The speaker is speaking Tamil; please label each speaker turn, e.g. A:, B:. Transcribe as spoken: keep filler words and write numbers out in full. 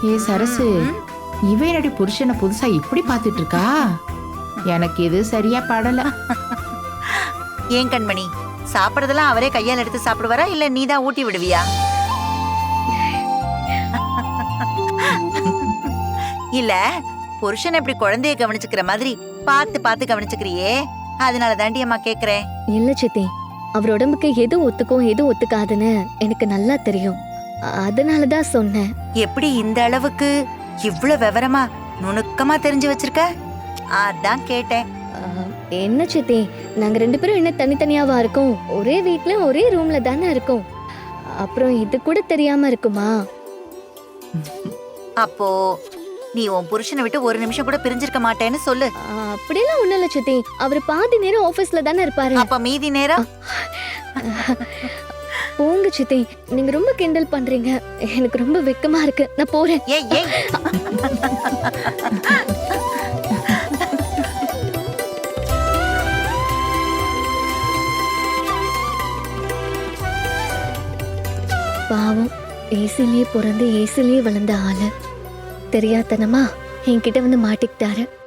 A: ஏ சரசு, இவ என்னடி புருஷனை புதுசா இப்படி பாத்துட்டு இருக்கா? எனக்கு இது சரியா படல.
B: ஏன் கண்மணி, சாப்பிடறதெல்லாம் அவரே கையால் எடுத்து சாப்பிடுவாரா இல்ல நீ தான் ஊட்டி விடுவியா? இல்ல புருஷன் இப்படி குழந்தைய கவனிச்சுக்கிற மாதிரி பார்த்து பார்த்து கவனிச்சுக்கிறியே, அதனால தாண்டி அம்மா கேக்குறேன்.
C: இல்ல சித்தி, அவர் உடம்புக்கு எது ஒத்துக்கும் எது ஒத்துக்காதுன்னு எனக்கு நல்லா தெரியும். அதனாலதான் சொன்னேன்.
B: எப்படி இந்த அளவுக்கு இவ்ளோ விவரமா நுணுக்கமா தெரிஞ்சு வச்சிருக்க? அதான் கேட்டேன்.
C: அஹ், என்ன சித்தி, நாங்க ரெண்டு பேரும் என்ன தனித்தனியாவா இருக்கோம்? ஒரே வீட்ல ஒரே ரூம்ல தானே இருக்கோம். அப்புறம் இது கூட தெரியாம இருக்குமா?
B: அப்போ நீ உன் புருஷனை விட்டு ஒரு நிமிஷம் கூட பிரிஞ்சிருக்க மாட்டேன்னு சொல்லு.
C: அஹ், அப்படியெல்லாம் ஒண்ணும் இல்ல சித்தி. அவர் பாதி நேரம் ஆபீஸ்ல தானே இருப்பாரு.
B: அப்ப மீதி நேரம்
C: போங்க சித்தி, நீங்க ரொம்ப கிண்டல் பண்றீங்க. எனக்கு ரொம்ப வெக்கமா இருக்கு. நான் போறேன்.
B: ஏய் ஏய்
C: பாவம், ஏசிலேயே பிறந்து ஏசிலேயே வளர்ந்த ஆளு தெரியாதனமா என்கிட்ட வந்து மாட்டிக்கிட்டாரு.